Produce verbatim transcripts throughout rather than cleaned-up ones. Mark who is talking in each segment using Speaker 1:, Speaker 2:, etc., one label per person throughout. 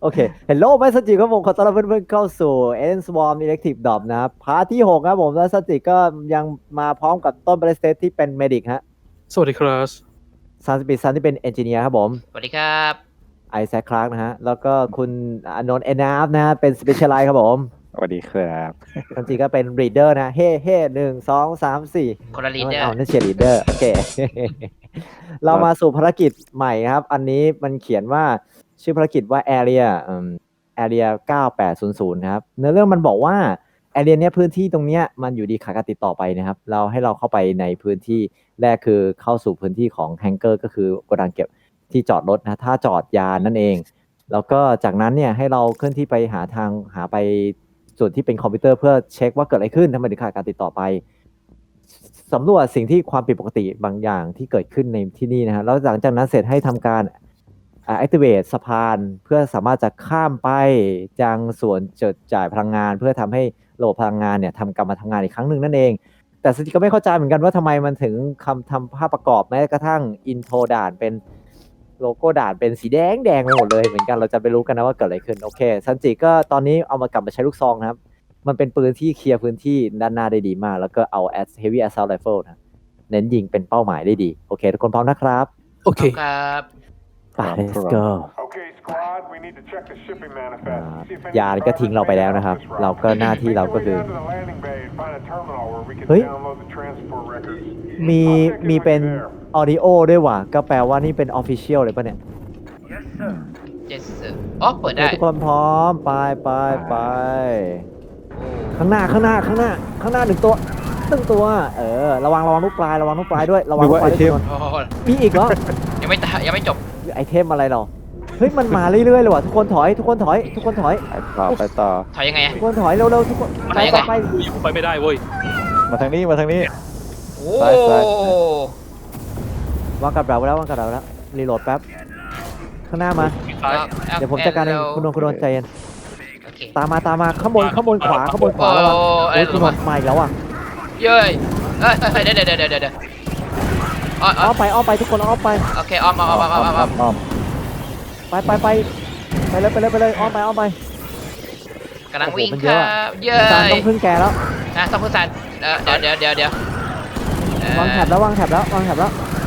Speaker 1: โอเคเฮลโลไมซันจิครับผมขอต้อนรับเพื่อนๆเข้าสู่ Alien Swarm Elective Drop นะครับพาร์ทที่หกครับผมแล้วซันจิก็ยังมาพร้อมกับต้นเบรสเตที่เป็นเมดิกฮะ
Speaker 2: สวัสดีครับ
Speaker 1: ซันสปีดซันที่เป็นเอนจิเนียร์ครับผม
Speaker 3: สวัสดีครับ
Speaker 1: ไอแซคคลาร์กนะฮะแล้วก็คุณอานนท์เอนาฟนะฮะเป็นสเปเชียลไลท์ครับผม
Speaker 4: สวัสดีครับ
Speaker 1: ซันจิก็เป็นรีดเดอร์นะเฮ้เฮ้หนึ่งสองสามสี่
Speaker 3: คนละลีดเดอร์
Speaker 1: เอานั่นเชียร์ลีดเดอร์โอเค เรามาสู่ภารกิจใหม่ครับ อันนี้มันเขียนว่าชื่อภารกิจว่า Area อืม Area เก้าแปดศูนย์ศูนย์ครับเนื้อเรื่องมันบอกว่า Area เนี้ยพื้นที่ตรงเนี้ยมันอยู่ดีขาดการติดต่อไปนะครับ เราให้เราเข้าไปในพื้นที่แรกคือเข้าสู่พื้นที่ของแฮงเกอร์ก็คือโกดังเก็บที่จอดรถนะถ้าจอดยานนั่นเอง แล้วก็จากนั้นเนี่ยให้เราเคลื่อนที่ไปหาทางหาไปส่วนที่เป็นคอมพิวเตอร์เพื่อเช็คว่าเกิดอะไรขึ้นทำไมถึงขาดการติดต่อไป สำรวจสิ่งที่ความผิดปกติบางอย่างที่เกิดขึ้นในที่นี่นะฮะแล้วหลังจากนั้นเสร็จให้ทำการ activate สะพานเพื่อสามารถจะข้ามไปยังส่วนจดจ่ายพลังงาน เพื่อทำให้ระบบพลังงานเนี่ยทำกลับมาทำงานอีกครั้งหนึ่งนั่นเอง แต่สติก็ไม่เข้าใจเหมือนกันว่าทำไมมันถึงคำทำภาพประกอบแม้กระทั่งอินโทรด่านเป็นโลโก้ด่านเป็นสีแดงแดงไปหมดเลยเหมือนกันเราจะไปรู้กันนะว่าเกิดอะไรขึ้นโอเคซันจิก็ตอนนี้เอามากลับมาใช้ลูกซองนะครับมันเป็นปืนที่เคลียร์พื้นที่ด้านหน้าได้ดีมากแล้วก็เอา as heavy assault rifle นะเน้นยิงเป็นเป้าหมายได้ดีโอเคทุกคนพร้อมนะครับ
Speaker 2: โอเค
Speaker 3: ครับ
Speaker 1: ไป let's go
Speaker 5: Okay, squad, we need to check the shipping
Speaker 1: อ่า
Speaker 5: manifest. See if any
Speaker 1: ยานก็ทิ้งเราไปแล้วนะครับ เราก็หน้าที่เราก็คือ
Speaker 5: Make our way down to the landing bay and find a terminal where we can
Speaker 1: เฮ้ย
Speaker 5: download the transport records.
Speaker 1: มีมีเป็น audio ด้วยว่ะก็แปลว่านี่เป็น official เลยป่ะเนี่ย
Speaker 3: เจสเซอร์อ๋อเปิดได้
Speaker 1: ทุกคนพร้อมไปไปไปข้างหน้าข้างหน้าข้างหน้าข้างหน้าหนึ่งตัวหนึ่งตัวเออระวังระวังลูกปลายระวังลูกปลายด้วยระวังลูกปลายด้วย
Speaker 3: โอ้โห
Speaker 1: มีอีกเหรอ
Speaker 3: ยังไม่ตายยังไม่จบ
Speaker 1: ไอเทมอะไรหรอเฮ้ยมันมาเรื่อยๆเลยว่ะทุกคนถอยทุกคนถอยทุกคนถอย
Speaker 4: ไปต่อไปต่อ
Speaker 3: ถอยยังไงอะ
Speaker 1: ทุกคนถอยเร็วๆทุกคนไปไปไป
Speaker 2: อยู่ไปไม่ได้เว้ย
Speaker 4: มาทางนี้มาทางนี้
Speaker 3: โอ้
Speaker 4: ซ้ายซ้าย
Speaker 1: วางกับเราไว้แล้ววางกับเราไว้แล้วรีโหลดแป๊บข้างหน้ามา
Speaker 2: ซ้าย
Speaker 1: เดี๋ยวผมจัดการเองคุณโดนคุณโดนใจเย็น
Speaker 3: โอเค
Speaker 1: ตามมาตามมาข้างบนข้างบนขวาข้างบนขวาระวัง
Speaker 3: โอ้อะไร
Speaker 1: โอ้ย
Speaker 3: ห
Speaker 1: คุ
Speaker 3: รื
Speaker 1: ณ
Speaker 3: อ
Speaker 1: โด
Speaker 3: วะ
Speaker 1: นมาอีกแล้วอ่ะ
Speaker 3: เย้ยเอ้ยเอ้ยเดี๋ยวเดี๋ยวเดี๋ยวเดี๋ยวเดี๋ยวอ๋ออ๋
Speaker 1: อ้
Speaker 3: อ
Speaker 1: อมไปอ้อมไปทุกคนอ้อมไป
Speaker 3: โอเคออมออมออมออมออมออม
Speaker 4: อ้อม
Speaker 1: ไปไปไปไปเลยไปเลยไปเลยอ้อมไปอ้อมไป
Speaker 3: กำลังวิ่ง
Speaker 1: โอ้โหมัน
Speaker 3: ค
Speaker 1: เย
Speaker 3: รั
Speaker 1: อะอะ
Speaker 3: บเย้
Speaker 1: จาน
Speaker 3: ย
Speaker 1: ต้องพึ่งแกแล้ว
Speaker 3: นะต้องพูดสันเออเดี๋ยวเดี๋ยวเดี๋ยวเดี๋ยวเอ่อ
Speaker 1: วางแถบแล้ววางแถบแล้ววางแถบแล้ว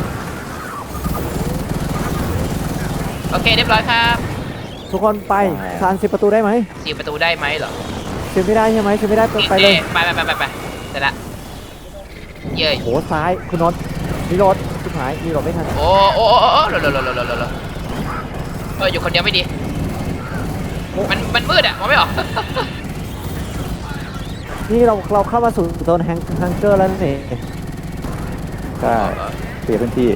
Speaker 3: โอเคเรียบร้อยครับ
Speaker 1: ทุกคนไปซานสิบประตูได้ไหม
Speaker 3: สี่ประตูได้ไหมเหรอ
Speaker 1: สิบไม่ได้ใช่ไหมสิบไม่ได้ไปเลย
Speaker 3: ไปไปไปไปไปเสร็จละเย้ย
Speaker 1: โหซ้ายคุณนนท์รีโหลดสุดท้ายรีโหลดไม่ทัน
Speaker 3: โอ้โอ้โอ้โอ้โอ้โหลโหลโหลโหลโหลโหลเอออยู่คนเดียวไม่ดี มันมันมืดอ่ะมองไม่ออก
Speaker 1: นี่เราเราเข้ามาสู่โซนแฮงฮังเกอร์แล้วนั่นเอง
Speaker 4: ใช่เปลี่ยนพื้นที่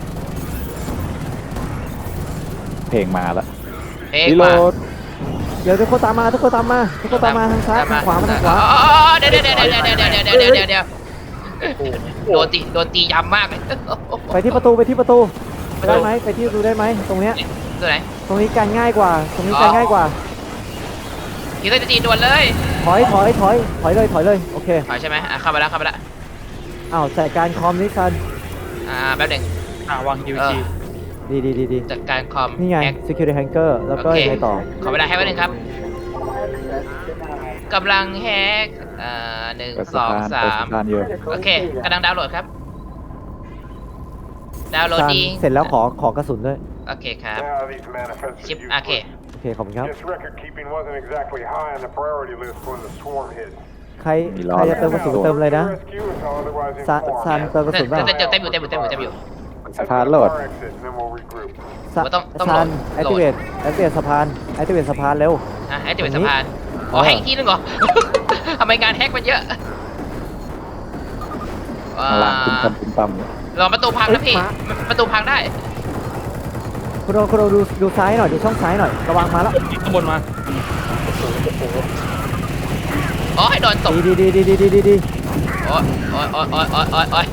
Speaker 4: เพลงมาแล้ว
Speaker 3: เฮ้ย
Speaker 4: รีโหล
Speaker 3: มา
Speaker 4: ด
Speaker 1: เดี๋ยวทุกคนตามมาทุกคนตามมาทุกคนตามมาทางซ้ายทางขวามาทางขวา
Speaker 3: อ๋อเดี๋ยวเดี๋ยวเดี๋ยวเดี๋ยวเดี๋ยวเดี๋ยวเดี๋ยวเดี๋ยวเดี๋ยวเดี๋ยวโดนตีโดนตียำมากเลย
Speaker 1: ไปที่ประตูไปที่ประตูได้ไหมไปที่ประตูได้ไหมตรงเนี้ย
Speaker 3: ตัวไหน
Speaker 1: ตรงนี้การง่ายกว่า ตรงนี้การง่ายกว่า
Speaker 3: คิดว่าจะตีด่วนเลย
Speaker 1: ถอยถอยถอยถอยเลยถอยเลยโอเค
Speaker 3: ถอยใช่ไหมอ่ะเข้าไปแล้วเข้าไปแล้ว
Speaker 1: อ้าวจัดการคอมนี่ซัน
Speaker 3: อ่าแป๊บหนึ่ง
Speaker 2: อ่าวางยู
Speaker 3: เอ
Speaker 2: จี
Speaker 3: อ
Speaker 1: ดีดีดีดี
Speaker 3: จัดการคอม
Speaker 1: นี่ไง
Speaker 3: แฮก
Speaker 1: security hanger แล้วก็
Speaker 3: โอเค
Speaker 1: ยังไงต่อ
Speaker 3: ขอเวลาให้แป๊บหนึ่งครับกำลังแฮกอ่าหนึ่ง
Speaker 4: เปิด
Speaker 3: ส
Speaker 4: สะ
Speaker 3: อง
Speaker 4: พาน
Speaker 3: สา
Speaker 4: เปิด
Speaker 3: ม
Speaker 4: สะพานอยู่
Speaker 3: โอเคกำลังดาวน์โหลดครับ ดาวน์โหลด
Speaker 1: ซัน
Speaker 3: ดี
Speaker 1: เสร็จแล้วขอขอกระสุนด้วย
Speaker 3: โอเคครับ
Speaker 5: Now these manifests
Speaker 3: ชิป
Speaker 5: are
Speaker 3: โอเค
Speaker 5: useless.
Speaker 1: โอเคขอบคุณครับ
Speaker 5: This record keeping wasn't exactly high on the priority list when the swarm hit.
Speaker 1: ใครใครจะเติมกระสุนเติมเลยนะ
Speaker 5: Rescue until otherwise
Speaker 1: ซัน
Speaker 5: informed.
Speaker 1: ซันเติมกระสุนเปล่า
Speaker 3: เต็มเต็มอยู่เต็มอยู่เต็มอยู่เต็มอยู่
Speaker 4: สะพานโหลด
Speaker 5: Our exit, and then we'll regroup.
Speaker 1: ซัน
Speaker 3: ต้องต้อง
Speaker 1: ซัน
Speaker 3: โหลด
Speaker 1: activate activate สะพาน activate สะพานเร็ว
Speaker 3: อ่ะแฮกจะเป็น
Speaker 1: ตรงนี้
Speaker 3: สะพานอ๋อแฮกอีกทีนึงเหรอ ทำไมงานแฮกมันเยอะอ่า
Speaker 4: ข้างล่างตุ้มตั้มตุ้มตั้ม
Speaker 3: รอประตูพังนะพี่ ประตูพังได้
Speaker 1: คุณโดคุณโดดูดูซ้ายหน่อยดูช่องซ้ายหน่อยระวังมาแล้ว
Speaker 2: ข้างบนมา
Speaker 3: อ๋อให้โดนตบ
Speaker 1: ดีดีดีดีดีดีดี
Speaker 3: โอ้ยโอ้ยโอ้ยโอ้ยโอ้ยโอ้ยโอ้ย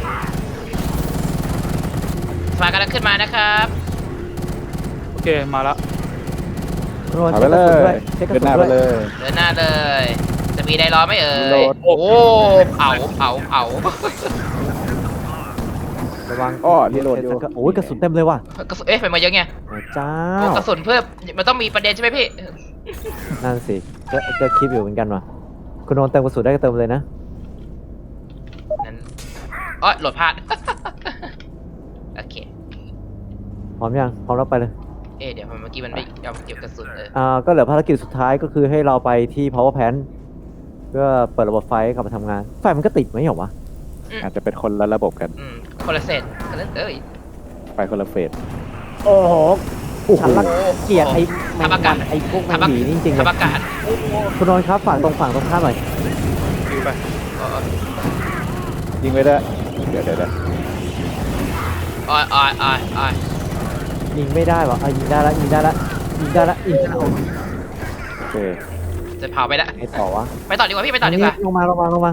Speaker 3: สะพานกำลังขึ้นมานะครับ
Speaker 2: โอเคมาละ
Speaker 1: คุณโด
Speaker 4: เอา
Speaker 1: เช็
Speaker 4: ไป
Speaker 1: คก
Speaker 4: เล
Speaker 1: ระสุนด้วย
Speaker 4: ย
Speaker 1: เช็คกระ
Speaker 4: เดิน
Speaker 1: สุ
Speaker 4: ห
Speaker 1: น
Speaker 4: น้าไป
Speaker 1: ด้วย
Speaker 4: เลย
Speaker 3: เดินหน้าเลย จะมีไดรอไหมเอ่
Speaker 4: โหล
Speaker 3: ย
Speaker 4: ด
Speaker 3: โอ้เผาเผาเผา
Speaker 1: เระวัง
Speaker 4: อ้อรีโหลดอยู่
Speaker 1: โอ้ยกระสุนเต็มเลยว่ะ
Speaker 3: กระสุนเอ๊ะไปมาเยอะไง
Speaker 1: พระเจ้า
Speaker 3: โอ้กระสุนเพิ่มมันต้องมีประเด็นใช่ไหมพี่
Speaker 1: นั่นสิก็ก็คิดอยู่เหมือนกันว่ะคุณโดนเติมกระสุนได้ก็เติมเลยนะ
Speaker 3: นั้นอ๋อโหลดพลาด โอเค
Speaker 1: พร้อมยังพร้อมแล้วไปเลย
Speaker 3: เอ๊ะเดี๋ยวเมื่อกี้มันไม่ยอมเก็บกระสุนเออ
Speaker 1: อ่าก็เหลือภารกิจสุดท้ายก็คือให้เราไปที่ power plant เพื่อเปิดระบบไฟให้กลับมาทำงานไฟมันก็ติดไหมเหรอวะ
Speaker 4: อาจจะเป็นคนละระบบกัน
Speaker 3: อืมคนละเศษกันนั้นเอ้ย
Speaker 4: ไปคนละเฟส
Speaker 1: โอ้โหฉันรังเกลียดไอ้แมง
Speaker 3: ทำอากา
Speaker 1: วั
Speaker 3: ศ
Speaker 1: นไอ้พวกแมง
Speaker 3: ทำอา
Speaker 1: หวีนี่จริงๆเล
Speaker 3: ทำ
Speaker 1: ย
Speaker 3: อากาศ
Speaker 1: คุณโดนครับฝั่งตรงฝั่งตรงข้ามหน่อย
Speaker 2: ฮิวไป
Speaker 3: อ๋อ
Speaker 4: ยิงไม่ได้ เดี๋ยวเดี๋ยวเดี๋ยว
Speaker 3: อ๋ออ๋ออ๋ออ๋อ
Speaker 1: ยิงไม่ได้วะเอายิงได้ละยิงได้ละยิงได้ละยิงได้ละ
Speaker 4: โอเค
Speaker 3: จะเผาไปละ
Speaker 1: ไอ้ต่อวะ
Speaker 3: ไปต่อดีกว่าพี่ไปต่อดีกว่า
Speaker 1: ลงมาลงมาลงมา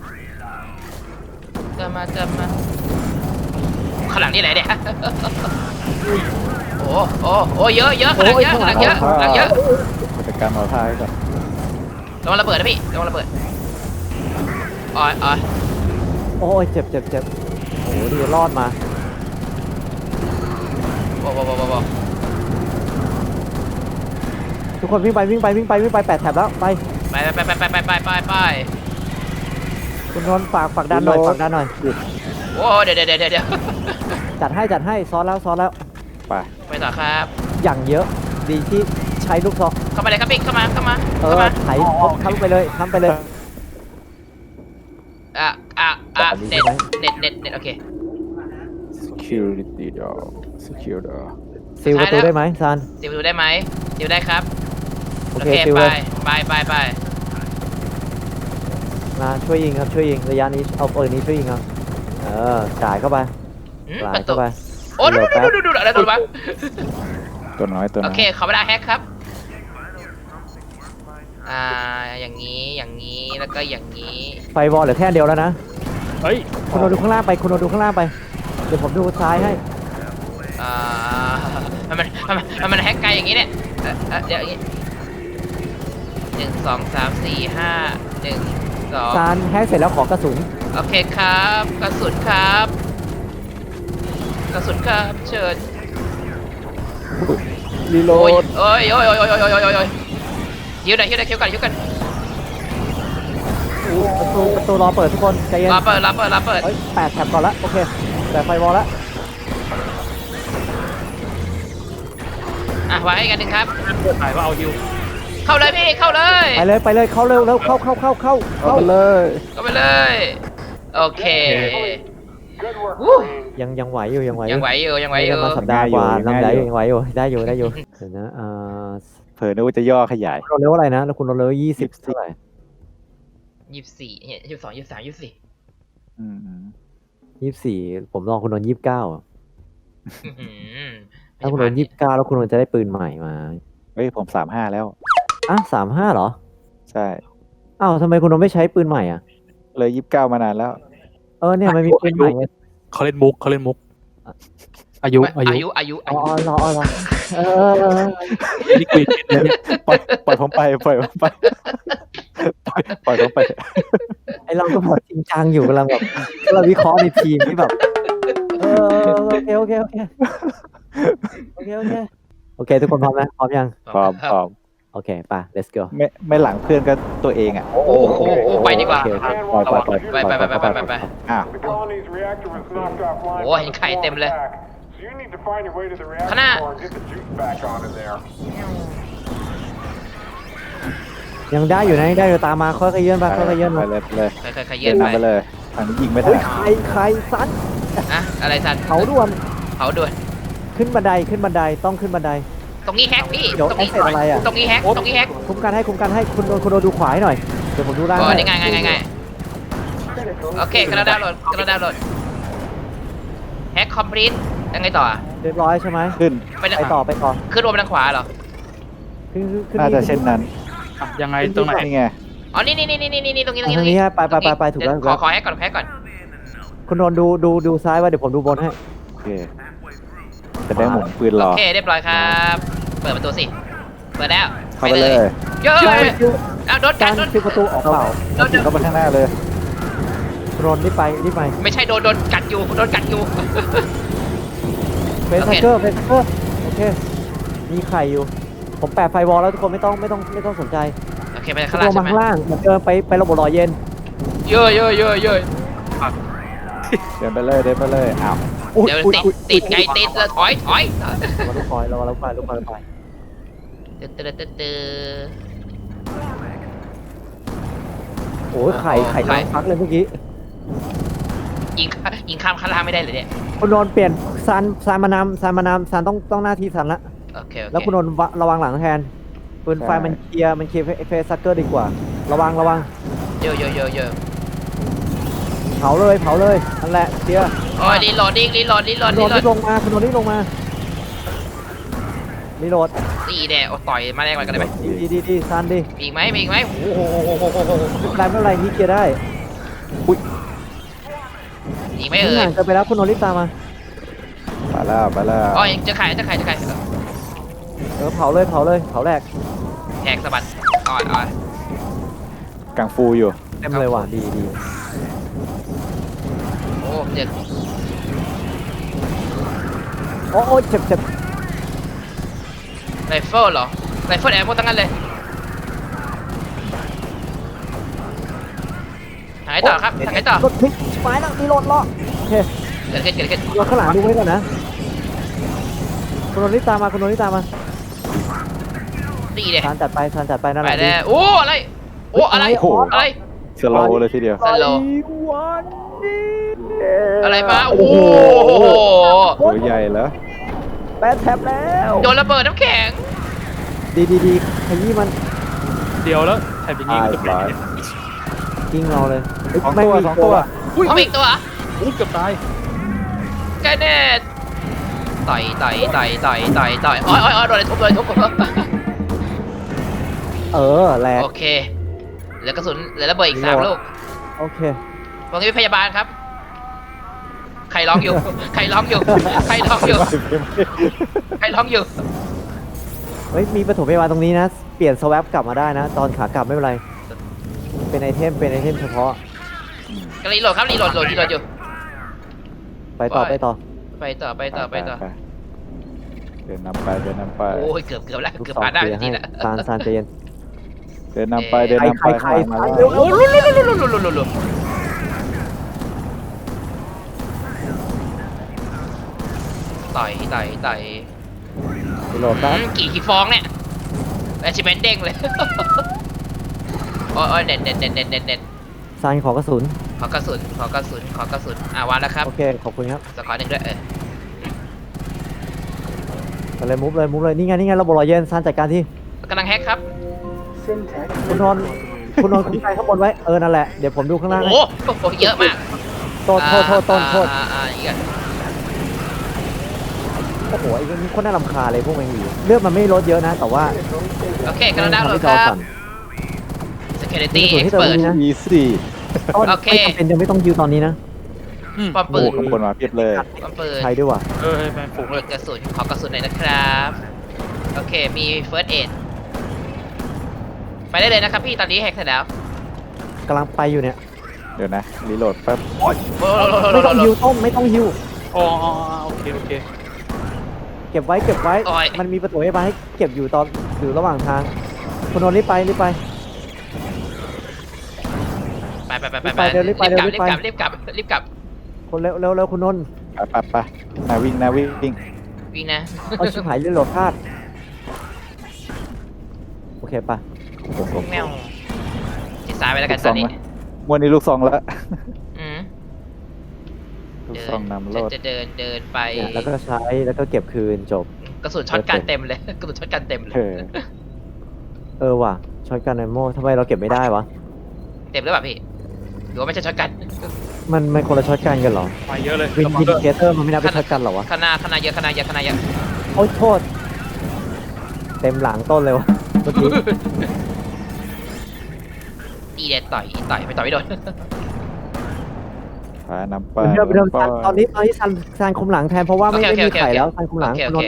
Speaker 3: เติมมาเติมมาข้างหลังนี่ไหนเนี่ย โอ้โอ้โอ้เยอะเยอะข้างหลังเยอะข้างหลังเยอะข้างหลังเยอะ
Speaker 4: จัดการหมอท่าให้ก่อน
Speaker 3: ระวังระเบิดนะพี่ระวังระเบิดอ๋ออ๋อ
Speaker 1: โอ้ยเจ็บเจ็บเจ็บโอ้โหดีรอดมา
Speaker 3: โอ้โหโอ้โหโอ้โห
Speaker 1: ทุกคนวิ่งไปวิ่งไปวิ่งไปวิ่งไปแปดแถบแล้วไป
Speaker 3: ไปไปไปไปไปไปไปไป
Speaker 1: คุณโดนฝากฝากดันหน่อยฝากดันหน่อย
Speaker 3: โอ้เดี๋ยวเดี๋ยวเดี๋ยวเดี๋ยว
Speaker 1: จัดให้จัดให้ซ้อนแล้วซ้อนแล้ว
Speaker 4: ไป
Speaker 3: ไปต่อครับ
Speaker 1: อย่างเยอะดีที่ใช้ลูกซอง
Speaker 3: เข้ามาเลยครับพี่เข้ามาเข้ามา
Speaker 1: เอ
Speaker 3: เข้า
Speaker 1: อ
Speaker 3: มา
Speaker 1: ไถทำไปเลยทำไปเลย
Speaker 3: อ่ะอ่ะอ่ะ
Speaker 1: แบบนี้
Speaker 3: เน็ต
Speaker 1: ใช่ไหม
Speaker 3: เน็ตเน็ตเน็ตโอเค
Speaker 4: security door secure door
Speaker 1: ซีลประตูได้ไหมซาน
Speaker 3: ซิลดูได้ไหมซิลได้ครับ
Speaker 1: โอเคซิล
Speaker 3: ไป
Speaker 1: เลย
Speaker 3: ไปไปไป
Speaker 1: มาช่วยยิงครับช่วยยิงระยะนี้เอาปืนนี้ช่วยยิงครับเออจ่ายเข้าไป
Speaker 3: อืม
Speaker 1: จ่า
Speaker 3: ป
Speaker 1: ย
Speaker 3: ระตู
Speaker 1: เข้าไป
Speaker 3: โอ้ดูดูดูดูดูอะไรตัววะ
Speaker 4: ตัวน้อยตัว
Speaker 3: โอ
Speaker 4: น้อย
Speaker 3: เคขอเวลาแฮกครับอ่าอย่างนี้อย่างนี้แล้วก็อย่างนี้
Speaker 1: ไฟวอลเหลือแค่อันเดียวแล้วนะ
Speaker 2: เฮ้ย
Speaker 1: คุณโดนดูข้างล่างไปคุณโดนดูข้างล่างไปเดี๋ยวผมดูซ้ายให้
Speaker 3: อ่ามันมันมันมันแฮกไกลอย่างนี้เนี่ยเอ่อเอ่อเดี๋ยวอย่างนี้หนึ่งสองสามสี่ห้าหนึ่งสอง
Speaker 1: ซานแฮกเสร็จแล้วขอกระสุน
Speaker 3: โอเคครับกระสุนครับกระสุนครับเชิญ
Speaker 4: รีโหล
Speaker 3: โอ้ย
Speaker 4: ด
Speaker 3: โอ้ยโอ้ยโอ้ยโอ้ยโอ้ยโอ้ยโอ้ยฮิวหน่อยฮิวหน่อยฮิวกันฮิวกัน
Speaker 1: ประตูประตูรอเปิดทุกคนใจเย็น
Speaker 3: รอเปิดรอเปิดรอเปิด
Speaker 1: เฮ้ยแปดแถบก่อนละโอเคแต่ไฟวอลละ
Speaker 3: อ่ะไว้ให้กันหนึ่งครับ
Speaker 2: ถ่ายว่าเอาฮิว
Speaker 3: เข้าเลยพี่เข้าเลย
Speaker 1: ไปเลยไปเลยเข้าเร็วเร็วเข้าเข้าเข้าเข้า
Speaker 4: เอาไปเลย
Speaker 3: เข้าไปเลย โอเค
Speaker 5: Good work,
Speaker 3: Woo.
Speaker 5: Marine.
Speaker 1: ยังยังไหวอยู่ยังไหวอ
Speaker 3: ยัง
Speaker 1: ยู่
Speaker 3: ไหวอยู่ยังไหวอยู่
Speaker 1: มาสัปดาห์กว่าลำไยยังไหวอยู่ได้อยู่ได้อยู่เดี๋ยวนะอ่า
Speaker 4: เผลอนึกว่าจะย่อขยาย
Speaker 1: คุณโดนเร็วอะไรนะแล้วคุณโดนเร็วยี่สิบเท่าไหร่
Speaker 3: ยี่สิบสี่เนี่ยยี่สิบสองยี่สิบสามยี่สิบสี่
Speaker 4: อืมอืม
Speaker 1: ยี่สิบสี่ผมลองคุณโดนยี่สิบเก้า
Speaker 3: อื้อหือ
Speaker 1: ถ้าคุณโดนยี่สิบเก้าแล้วคุณโดนจะได้ปืนใหม่มา
Speaker 4: เฮ้ยผมสามห้าแล้ว
Speaker 1: อ่ะสามห้าเหรอ
Speaker 4: ใช่
Speaker 1: อ้าวทำไมคุณโดนไม่ใช้ปืนใหม่อ่ะ
Speaker 4: เลยยี่สิบเก้ามานานแล้ว
Speaker 1: เออเนี่ยมันมีปืนใหม่ไง
Speaker 2: เขาเล่นมุกเขาเล่นมุก อายุอา
Speaker 3: อา
Speaker 2: ยุ
Speaker 3: ยุอายุ
Speaker 1: อ๋
Speaker 3: อา
Speaker 1: อ
Speaker 3: ยุ
Speaker 1: อ๋อรออ๋อรอเออ
Speaker 2: นี่คุยผิดเลยเนี่ย
Speaker 4: ปล่อยปล่อยผมไปปล่อยผมไปปล่อยปล่อยผมไป
Speaker 1: ไอเราก็แบบจริงจังอยู่กำลังแบบเราวิเคราะห์ในทีมที่แบบเออโอเคโอเคโอเคโอเคโอเคโอเคทุกคนพร้อมนะพร้อมยัง
Speaker 4: พร้อมพร้อม
Speaker 1: โอเคไป let's go
Speaker 4: ไม่ไม่หลังเพื่อนก็ตัวเองอ่ะ
Speaker 3: โอ้โหโอ้ไปดีกว่า
Speaker 1: โอเค
Speaker 4: ปล่อยปล่อยปล่อย
Speaker 3: ไปไปไปไปไปไป
Speaker 4: อ้าว
Speaker 5: The colony's reactor was knocked offline
Speaker 3: Oh,
Speaker 5: by
Speaker 3: yung
Speaker 5: the
Speaker 3: kite
Speaker 5: storm
Speaker 3: tem le.
Speaker 5: attack, so you need to find your way to the reactor
Speaker 3: Kana.
Speaker 5: core and get the juice back on in there.
Speaker 1: ยังได้อยู่นะยังได้อยู่ตามมาค่อยๆเยื่อนไปค่อยๆเยื่อน
Speaker 4: ไป
Speaker 1: มา
Speaker 4: เลยไปเลย
Speaker 3: เคยเคยเคย
Speaker 4: เดิ
Speaker 3: เยื่อน
Speaker 4: น
Speaker 3: ไป
Speaker 4: นำไปเลยทางนี้ยิงไม่ทั
Speaker 1: เฮ้ย
Speaker 4: น
Speaker 1: ใครใครซัด
Speaker 3: อะอะไรสัน
Speaker 1: เขาด่วน
Speaker 3: เผาด่วน
Speaker 1: ขึ้นบันไดขึ้นบันไดต้องขึ้นบันได
Speaker 3: ตรงนี้แฮกพี่
Speaker 1: เดี๋ยว
Speaker 3: ตรงนี้
Speaker 1: แอคเซสอะไรอะ
Speaker 3: ตรงนี้แฮกตรงนี้แฮก
Speaker 1: คุ้มกันให้คุ้มกันให้คุณโดนคุณโดนดูขวาให้หน่อยเดี๋ยวผมดูล่าง
Speaker 3: อ๋อ
Speaker 1: ให้
Speaker 3: นี่ไงไงไงไงโอเคกระดาวน์โหลดกระดาวน์โหลดแฮกคอมพลีทยังไงต่อ
Speaker 1: เรียบร้อยใช่ไหม
Speaker 4: ขึ้น
Speaker 3: ไป
Speaker 1: ไปต่อไปต่อ
Speaker 3: ขึ้นรวมไปทางขวาเหรอ
Speaker 1: ขึ้นขึ้นขึ้น
Speaker 4: น่าจะเช่นนั้น
Speaker 2: อ่ะยังไงตรงไหน
Speaker 4: นี่ไง
Speaker 3: อ๋อนี่นี่นี่นี่นี่นี่ตรงนี้ตรงนี้
Speaker 1: ทางนี้ฮะไปไปไปไปถูกแล้วถูก
Speaker 3: ขอ
Speaker 1: แล้ว
Speaker 3: ขอแฮกก่อนแฮกก่อน
Speaker 1: คุณโดนดูดูดูซ้ายไว้เดี๋ยวผมดูบนให้
Speaker 4: โอเคจะได้หมุนปืนร
Speaker 3: โอ
Speaker 4: อ
Speaker 3: เคเรียบร้อยครับเปิดประตูสิเปิดแล้ว
Speaker 4: เข้าไปเลย
Speaker 3: เย้
Speaker 1: คิวย คิว
Speaker 3: เอาโดนกั
Speaker 1: กาน ร
Speaker 3: โดน
Speaker 1: คิวประตูออกเปล่า
Speaker 3: โดน
Speaker 4: ถึงเข้ามาข้างหน้าเลย
Speaker 1: คุณโดนนท์รีบไปรีบไป
Speaker 3: ไม่ใช่โดนโดนกัดอยู่โดนกัดอยู่
Speaker 1: เฟส
Speaker 3: โอเค
Speaker 1: เกอร์เฟสเกอร์โอเคมีไข่อยู่ผมแปะไฟวอลแล้วทุกคนไม่ต้องไม่ต้องไม่ต้องสนใจ
Speaker 3: โอเคไป
Speaker 1: ทุ
Speaker 3: ข้าก ง
Speaker 1: ค
Speaker 3: ล่าง
Speaker 1: น
Speaker 3: ใช่
Speaker 1: มา
Speaker 3: ไหม
Speaker 1: ข้างล่างเหมือนเดิมไปไประบบรอเย็น
Speaker 3: เยอะเยอะเยอะเยอะ
Speaker 4: เดินไปเลยเดินไปเลยอ้าว
Speaker 1: อุ๊ย
Speaker 3: เดี๋ยว
Speaker 1: อุ๊ย
Speaker 3: ติด
Speaker 1: อุ๊ย
Speaker 3: ติดไงติดแล้วถอยถอย
Speaker 1: ระวังลูกคอยระวังลูกคอยลูกคอยลูกคอย
Speaker 3: ตึ๊ดตึ๊ดตึ๊ดตึ๊ด
Speaker 1: โอ้ยไข่ไข่
Speaker 3: ไข่
Speaker 1: น้ำฟักเลยเมื่อกี้
Speaker 3: ยิงยิงข้ามข้างล่างไม่ได้เลยเนี่ย
Speaker 1: คุณนนท์เปลี่ยนซันซันมานำซันมานำซันต้องต้องหน้าที่ซันละ
Speaker 3: โอเคโอเค
Speaker 1: แล้วคุณนนท์วะระวังหลังแทนปืนไฟมันเคลียร์มันเคลียร์เฟสซักเกอร์ดีกว่า ระวังระวัง
Speaker 3: เยอะเยอะเยอะเยอะ
Speaker 1: เผาเลยเผาเลยนั่นแหละเคลียร์
Speaker 3: โอ้ยรีโหลดดิ้งรีโหลดรีโหล
Speaker 1: คุ
Speaker 3: ด
Speaker 1: ณน
Speaker 3: รี
Speaker 1: นท์
Speaker 3: โหล
Speaker 1: รี
Speaker 3: ด
Speaker 1: บลงมาคุณนนท์รีบลงมารีโหลด
Speaker 3: ตีแน่โอ้ต่อยมาแรงกว่ากันได้ไหม
Speaker 1: ดีดีดีดีซันดี
Speaker 3: มีอีกไหมมีอีกไหมโอ้โห
Speaker 1: ไม่เป็นไรไม่เป็นไรนี่เคลียร์ได้
Speaker 3: อีกไหม
Speaker 1: ทุก
Speaker 3: เอ่
Speaker 1: อย ย่างเกินไปแล้วคุณนนท์รีบตามมา
Speaker 4: ไปแล้วไปแล้ว
Speaker 3: อ๋อยังจะขายจะขายจะขาย
Speaker 1: เออเผาเลยเผาเลยเผาแรก
Speaker 3: แหกสะบัดอ่อนอ่อน
Speaker 4: กังฟูอยู่
Speaker 1: เต็มเลยว่ะดีดี
Speaker 3: โอ้เจ็บ
Speaker 1: โอ้โอ้เจ็บเจ็บ
Speaker 3: ไรเฟิลเหรอไรเฟิลแอร์หมดทั้งนั้นเลยหายต่อครับหายต่อ
Speaker 1: รถพลิกไม้แล้วรีโหลดล้อโอเค
Speaker 3: เกิดขึ้นเกิดขึ้น
Speaker 1: รถข้างหลังดูไว้ก่อนนะคุณนนท์รีบตามมาคุณนนท์รีบตามมา
Speaker 3: ตีเด็
Speaker 1: ซานจัดไปซานจัดไปนั่นแห
Speaker 3: ไป
Speaker 1: ละ
Speaker 3: แล้วโอ้อะไรโอ้อะไร
Speaker 4: โอ้โห
Speaker 3: อะไร
Speaker 4: สโลว์เลยทีเดียว
Speaker 3: สโลว์
Speaker 1: วันนี้
Speaker 3: อะไรมาโอ้โห
Speaker 4: ตัวใหญ่แล้ว
Speaker 1: แปดแท็บแล้ว
Speaker 3: โดนระเบิดน้ำแข็ง
Speaker 1: ดีดีดีขยี้มัน
Speaker 2: เดียวแล้วแถบอย่างนี้
Speaker 4: ตาย
Speaker 2: ก็จะเป็น
Speaker 4: ตาย
Speaker 1: กิ้งเราเลยเฮ้ย
Speaker 4: สอง
Speaker 1: ไม่
Speaker 4: ตัว
Speaker 1: มี
Speaker 4: สองตัว
Speaker 2: อุ้ย
Speaker 3: เอาอีกตัว
Speaker 2: อุ้ยเกือบตาย
Speaker 3: ใกล้แน่ต่อยต่อยต่อยต่อยต่อยต่อยอ๋ออ๋ออ๋อโดนอะไรทุบโดนอะไรทุบ
Speaker 1: เออแหลก
Speaker 3: โอเคเหลือกระสุนเหลือระเบิดอีกสามลูก
Speaker 1: โอเค
Speaker 3: ตรงนี้เป็นพยาบาลครับ ใครร้องอยู่ ใครร้องอยู่ ใครร้องอยู่ ใครร้องอยู่
Speaker 1: เฮ้ยมีปฐมพยาบาลตรงนี้นะ เปลี่ยนสวปกลับมาได้นะ ตอนขากลับไม่เป็นไร เป็นไอเทมเป็นไอเทมเฉพาะ
Speaker 3: ก็รีโหลดครับรีโหลดโหลดรีโหลดอยู่
Speaker 1: ไปต่อไปต่อ
Speaker 3: ไปต่อไปต่อไปต่อ
Speaker 4: เดินนำไปเดินนำไป
Speaker 3: โอ้ยเกือบเกือบแล้ว
Speaker 1: ลูก
Speaker 3: เกือบ
Speaker 1: ศร
Speaker 3: ผ่านได้
Speaker 1: เคลียร์
Speaker 3: ที
Speaker 1: ให้
Speaker 3: ละ
Speaker 1: ซานซานใจเย็น
Speaker 4: เดินนำไปเดินนำไป
Speaker 1: ใครใคร
Speaker 4: ข้างหลังมา
Speaker 1: ใคร
Speaker 4: แล้ว
Speaker 3: โอ้ลุลุลุลุลุลุลุลุต่อยต่อยต่อย
Speaker 1: รีโหลดครับ
Speaker 3: อืมกี่กี่ฟองเนี่ยแอชิเมนเด้งเลย โอ้ยเน็ตเน็ตเน็ตเน็ตเน็ตเน็ต
Speaker 1: ซานขอกระสุน
Speaker 3: ขอกระสุนขอกระสุนขอกระสุนอ่าวางแล้วครับ
Speaker 1: โอเค ขอบคุณครับ
Speaker 3: สกอร์หนึ่งด้วยเออ
Speaker 1: ไปเลยมุฟเลยมุฟเลย นี่ไง นี่ไงระบบรอเย็นซานจัดการที่
Speaker 3: กำลังแฮกครับ
Speaker 1: คุณนนท์คุณนนท์คุ้มใจข้างบนไว้ เออ นั่นแหละ เดี๋ยวผมดูข้างล่าง
Speaker 3: โอ้
Speaker 1: ให้
Speaker 3: โหเยอะมาก
Speaker 1: โทษโทษโทษโทษโทษ
Speaker 3: อ่าอ่าอ่าอีกอ่ะ
Speaker 1: โอ้โหไอ้พวกนี้โคนน่ารำคาญเลยพวกแมงวีเลือดมันไม่ลดเยอะนะ แต่ว่า
Speaker 3: โอเคกำลังดาวน์โหลด
Speaker 1: ทำให้
Speaker 3: ค
Speaker 1: จอ
Speaker 3: รับ
Speaker 1: สั่น
Speaker 3: security
Speaker 1: มีส่วนที่เติม
Speaker 3: expert
Speaker 1: นี้นะ
Speaker 4: อีซี่
Speaker 1: ต้น
Speaker 3: โอเค
Speaker 1: ไม่จำเป็นยังไม่ต้องยิวตอนนี้นะ
Speaker 2: อืม
Speaker 3: ป้อม
Speaker 4: โอ้
Speaker 3: ปื
Speaker 4: โห
Speaker 3: น
Speaker 4: ข้างบนมาเพียบเลย
Speaker 3: ป้อมปืน
Speaker 1: ใช้ด้วยว่ะ
Speaker 2: เออแมนฝูงเลย
Speaker 3: กระสุนขอกระสุนหน่อยนะครับ โอเค มี first aid ไปได้เลยนะครับพี่ตอนนี้แฮกเสร็จแล้ว
Speaker 1: กำลังไปอยู่เนี่ย
Speaker 4: เดี๋ยวนะรีโหลดแป๊บ
Speaker 3: โอ้โห
Speaker 1: ไม่ต้องยิวต้มไม่ต้องยิว
Speaker 2: อ๋ออ๋ออ๋อโอเคโอเค
Speaker 1: เก็บไว้เก็บไว้
Speaker 3: โอ้ย
Speaker 1: มันมีประตูให้มาให้เก็บอยู่ตอนอยู่ระหว่างทางคุณนนท์รีบไปรีบไป
Speaker 3: ไปไปไปไป
Speaker 1: รีบไปเร็วรีบไป
Speaker 3: รีบกลับ
Speaker 1: เร็วรี
Speaker 3: รี
Speaker 1: บบ ไป
Speaker 3: กลับรีบกลับรีบกลับ
Speaker 1: คนเร็วเร็วเร็วคุณนนท์
Speaker 4: ไปไปไปนาวิ่งนาวิ่ง
Speaker 3: วิ่งนะ
Speaker 1: เอาชิบหายเรื่องโหลดพลาดโอเคปะ
Speaker 4: โอ้โห
Speaker 3: แมวจิตซ้ายไปแล้วกัน
Speaker 4: ลูก
Speaker 3: ต
Speaker 4: ซ
Speaker 3: อ
Speaker 4: อน ง
Speaker 3: นี้
Speaker 4: ไหม มวนนี้ลูกซองแล้ว
Speaker 3: อืม
Speaker 4: ลูก
Speaker 3: เดิ
Speaker 4: ซองนำโลด
Speaker 3: จะเดินเดินไป
Speaker 1: เนี่ยแล้วก็ใช้แล้วก็เก็บคืนจบ
Speaker 3: กระสุนช็อตกันเต็มเลย กระสุนช็อตกันเต็มเล
Speaker 4: เอย อ
Speaker 1: เออว่ะช็อตกันไอโม่ทำไมเราเก็บไม่ได้วะ
Speaker 3: เต็มหรือเปล่าพี่หรือว่าไม่ใช่ช็อตกัน
Speaker 1: มันมันคนละช็อตกันกันเหรอ
Speaker 2: ไปเยอะเลย
Speaker 1: วิน
Speaker 2: ระวัง
Speaker 1: วิน
Speaker 2: ด้วย
Speaker 1: เคเตอร์มันไม่นับเป็นช็อตกันเหรอวะ
Speaker 3: ขนาดขนาดเยอะขนาดเยอะขนาดเยอะ
Speaker 1: โอ้ยโทษ เต็มหลังต้นเลยวะเมื่อกี้
Speaker 3: ตีเด็ดต่อยต่อยไม่ต่อยไม่โดน
Speaker 4: พานำไป
Speaker 1: เดิมเดิม
Speaker 4: นำไป
Speaker 1: ซันตอนนี้ตอนนี้ซันซันคุมหลังแทนเพราะว่าไม่
Speaker 3: โอเค
Speaker 1: ไม่
Speaker 3: โอ
Speaker 1: มี
Speaker 3: เค
Speaker 1: ไข่
Speaker 3: โอเค
Speaker 1: แล้วซันคุมหลัง
Speaker 3: โอเค
Speaker 1: คุ
Speaker 3: โอ
Speaker 1: ณ
Speaker 3: เคน